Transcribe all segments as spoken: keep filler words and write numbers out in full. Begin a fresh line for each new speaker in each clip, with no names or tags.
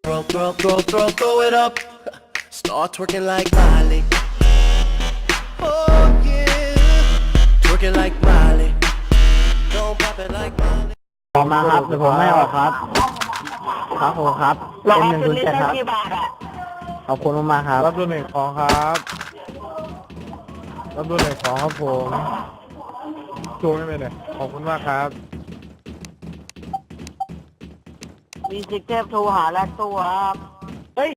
Throw, throw, throw, throw, throw it up. Start twerking like Miley. Oh yeah. Twerking like Miley. Don't pop it like Miley.
ออกมาครับเดี๋ยวผมไม่ออกครับครับผมครับ
รอ
เป็นหนึ่ง
คื
ศู
น
นย์
นี้
เจ็ด
ได้
ครับ
กี่บาทอ่ะ
ขอบคุณมากๆครับ
รับดูหนึ่งของครับรับดูหนึ่งของครับผมโชว์ไม่เป็นเลยขอบคุณมากครับ
มีสิกเทพโทรหาแลกตัวครับเฮ้ย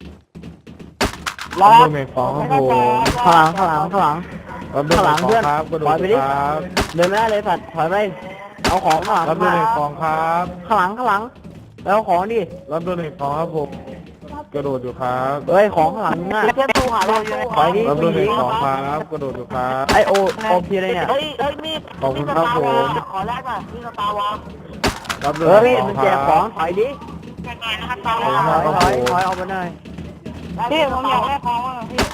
รับดูหนึ่งของครับผม
ข้างหลังข้างหลังข้างหลัง
รับดูหนึ่งของครับกระโด
ถอย
ด
ไปดิ
ครับ
เดินไม่ได้เลยสัตว์ถอยไปเอาของข้างหลัง
รับดูหนึ่งของครับ
ข้างหลังข้างหลังแล้วเอาของดิ
รับดูหนึ่งของครับผมกระโดดอยู่ครับ
เฮ้ยของข้างหลังน่ะ
สิกเทพโทรหาแลกตัว
ถอยดิ
รับดูหนึ่งของครับกระโดดอยู่ครับ
ไอโอโอพีอะไรเนี่ย
เฮ้ยเฮ้ยมีด
ขอบคุณครับผม
ขอแลกหน่อยมีสตาร์วอล
รับดู
เอ
ห
อ
นึ่
พี่
งข
มั
อน ง
แจ
ค
ก
รับ
ของถอยดิ
ยังไงนะครับสตาร์ว
ข
อ
อบคุณ
ล
ครับ
ถอยถอยถอยออกมาหน่อย
พี่ผมอยากแลกของอ่ะพี่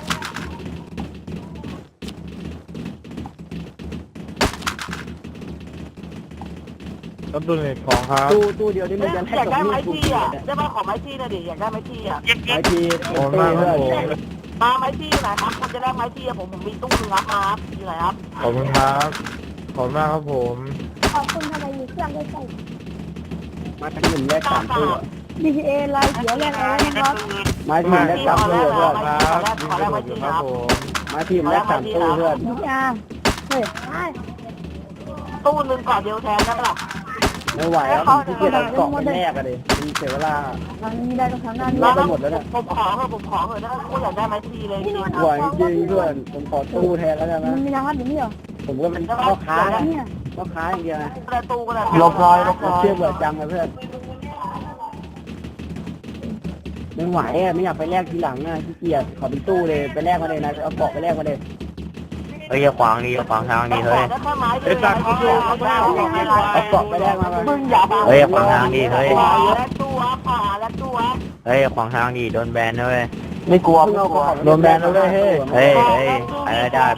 รับดูหนึ่งของครับ
ตู้ตู้เดียวที่มันจะให้
อยาก
กับ
ได้
มี
ไม้
ดกู
ที่
เกีย
อ่ะ
ด
ได้ไหมขอไม้ที่หน่อยดิอยากได้ไม้ที่อ่ะ
ไอที
ขอบคุณมากครับผม
มาไม้ที่ไหนครับคุณจะแลกไม้ที่อ่ะผมผมมีตู้นึงครับมาครับที่ไหนครับ
ขอบคุณครับขอบคุณมากครับผม
ขอบคุณทำไมมีเครื่องได้ใส่
มาทั้งหนึ่งแรกสามตู้อะ
ดี ที เอ ลายเขียวแรกอะไรนะครับ
ไม้ทีมแรกสามตู้เพื่อน
ครับยิงกระโดดอยู่ครับผม
ไม้ทีมแรกสามตู้เพื่อน
ดีอาร์เฮ้ยไอ้
ตู้นึงก่อนเดียวแทนได้ปะล่ะ
ไม่ไหวแล้วผมขี้เกียจเอาเกาะไปแรกอะดิมันเสียเวลา
ทางนี้ได้ตรงทางหน้า
แล
นี้
กไปหมดแล้วเนี่ย
ผมขอเถอะผมขอเถอะถ้าคุณอยากได้ไม้ที่เลยจริง
ไหวจริงเพื่อนผมขอตู้แทนแล้วกัน
มั
นะ
นมีรางวัลอยู่นี่เหรอ
ผมก็เป็นพ่อค้านะ
เนี่ย
พ่อค้าอย่างเดียวนะ
ประตูก็ได้
ลบรอยลบรอยเชื่อเบื่อจังเลยเพื่อนไม่ไหวอะไม่อยากไปแลกทีหลังนะขี้เกียจขอเป็นตู้เลยไปแลกมาเลยนะเอาเกาะไปแลกมาเลย
เฮ้ยอย่าขวางดิอย่าขวางทางดิเฮ้ย
ได้แค่ไม้เดียวเขาดูเขาได้
เอาเกาะไปแลกมาเลย
มึงอย่า
เฮ้ยอย่าขวางทางดิเฮ้ย
และตัวผ่าและตัว
เฮ้ยอย่าขวางทางดิโดนแบนนะเว้ย
ไม่กลัวไม่กลัวโดนแบนแล้วด้วยเฮ้ย
เฮ้ยเฮ้ยอะไรได้